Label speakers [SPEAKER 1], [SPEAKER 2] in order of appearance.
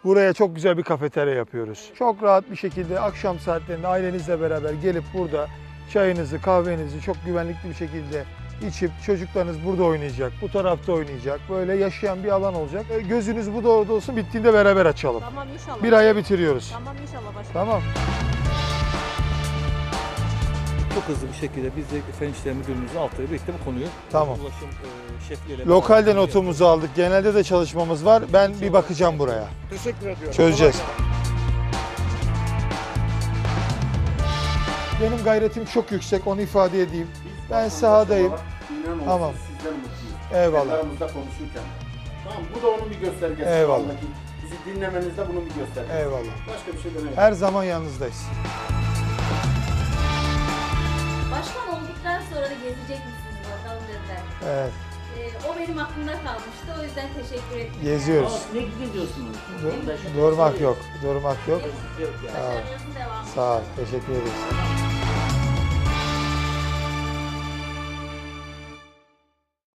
[SPEAKER 1] Buraya çok güzel bir kafeterya yapıyoruz. Çok rahat bir şekilde akşam saatlerinde ailenizle beraber gelip burada çayınızı, kahvenizi çok güvenlikli bir şekilde içip çocuklarınız burada oynayacak, bu tarafta oynayacak. Böyle yaşayan bir alan olacak. Gözünüz bu doğruda olsun, bittiğinde beraber açalım.
[SPEAKER 2] Tamam inşallah.
[SPEAKER 1] Bir aya bitiriyoruz.
[SPEAKER 2] Tamam inşallah başkanım.
[SPEAKER 1] Tamam.
[SPEAKER 3] Çok hızlı bir şekilde biz de Fen İşleri Müdürlüğümüzün altıyla birlikte bu konuyu
[SPEAKER 1] Tamam.
[SPEAKER 3] ulaşım şefliğiyle
[SPEAKER 1] Lokalde
[SPEAKER 3] beraber
[SPEAKER 1] notumuzu aldık. Genelde de çalışmamız var. Ben bir bakacağım buraya.
[SPEAKER 4] Teşekkür ediyorum.
[SPEAKER 1] Çözeceğiz. Benim gayretim çok yüksek, onu ifade edeyim. Ben sahadayım. Tamam.
[SPEAKER 4] Sizden mutluyum.
[SPEAKER 1] Eyvallah.
[SPEAKER 4] Aramızda konuşurken. Tamam, bu da onun bir göstergesi.
[SPEAKER 1] Eyvallah.
[SPEAKER 4] Şu andaki bizi dinlemenizde bunun bir göstergesi.
[SPEAKER 1] Eyvallah.
[SPEAKER 4] Başka bir şey demeyelim.
[SPEAKER 1] Her zaman yanınızdayız.
[SPEAKER 5] Başkan olduktan sonra da gezecek misiniz bakalım dediler.
[SPEAKER 1] Evet,
[SPEAKER 5] O benim aklımda kalmıştı. O yüzden teşekkür ettim.
[SPEAKER 1] geziyoruz.
[SPEAKER 6] Ne gidiyorsunuz?
[SPEAKER 1] Durmak yok, durmak yok.
[SPEAKER 5] Başarınızın devamı.
[SPEAKER 1] Sağ ol, teşekkür ederiz.